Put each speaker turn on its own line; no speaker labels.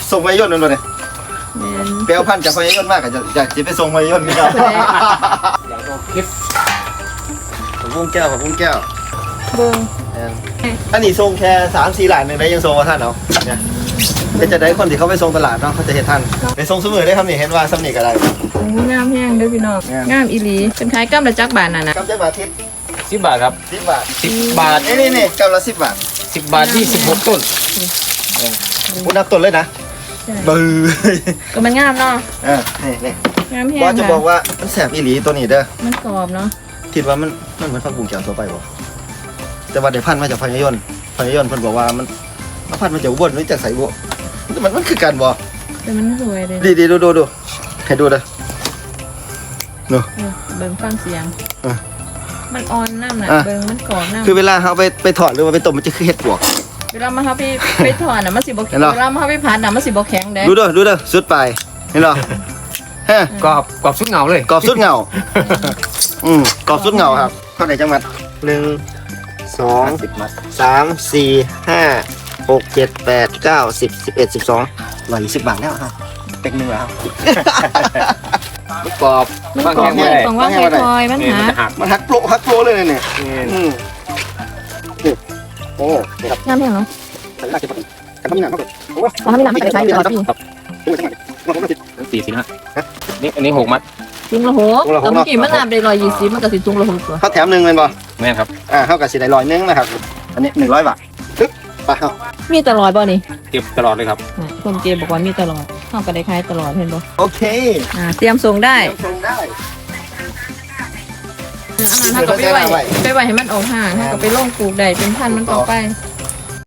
ส่งพยนต์นั่นเลยเปลวพันจากพยนต์มากอยากจะไปส่งพยนต์นี่ครับอยากเอาคลิปผมพุ่งแก้วผมพุ่งแก้ว
เบิ้ง
อันนี้ส่งแค่3-4 หลานหนึ่งได้ยังส่งมาท่านเนาะเป็นจะได้คนที่เขาไปส่งตลาดเนาะเขาจะเห็นท่านไปส่งสมือได้ครับนี่เห็นว่าสำนีกอะไร
งามแห้งเด้อพี่น้องงามอีหลีเป็นขายกำละจักบาทน่ะนะ
กำจักบาททิพย์
10 บาทครับ
10 บาท
10 บาท
นี่กำละ10 บาท
10 บาท26 ต้น
คุณนับต้นเลยนะบื้อ
ก็มันงามเนาะ
นี่
งามแห้ง
ว่าจะบอกว่ามันแสบอีหลีตัวนี้เด้อ
มันกรอบเนาะ
คิดว่ามันเหมือนผักบุ้งแก้วทั่วไปบ่แต่ว่าได้พันมาจากพญายนเพิ่นบอกว่ามันพันมาจากอุบลหรือจากไสบ่มันคือกันบ่
แต่มันสวยเลย
ดีดูให้ดูเด้อเนาะ
เบิ่งฟังเสียงมันอ่อนน้ำน่ะเบิ่งมันกรอบน้ำ
คือเวลาเขาไปถอดหรือว่าไปต้มมันจะคือเห็ดปวก
เวลามาเขาไปถอดน่ะมันสิบ่แข็งเวลามาเขาไปผัดน่ะมันสิบ่แข็งเด้
ดูเด้อสุดไปเห็นหรอฮะ
กรอบสุดเงาเลย
กรอบสุดเงากรอบสุดเงาครับเท่าไหร่จังหวัด1 2 3 4 5 6 7 8 9 10 11 12 120 บาทแล้วครับเป็กนึงแล้ว
กรอบ
มันกรอบของว่าคอยมัน
หักโปรเลยเนี่ยโอ้ครับ
งามแห้งเนาะ
ทำนี่นะ
ทำนี่นะไม่ได้ใช้อยู่แล้ว
พี่40 นะนี่อันนี้6 มัด
ถุงละ6แต่เมื่อกี้มันน้ำได้120มันก็สิถุงละ6ตัว
เขาแถม1เลยบ่
แม่นครับ
เขากับสิได้100นึงนะครับอันนี้100 บาทปึ๊บไปเอา
มีตลอดบ่นี่
เก็บตลอดเลยครับ
คนเก็บบอกว่ามีตลอดเฮาก็ได้ขายตลอดเห็นบ่
โอเค
เตรียมส่งได้อาหารเฮาก็ไปไว้ให้มันออกห่างเฮาก็ไปลงปลูกได้เป็นพันธุ์มันต่อไป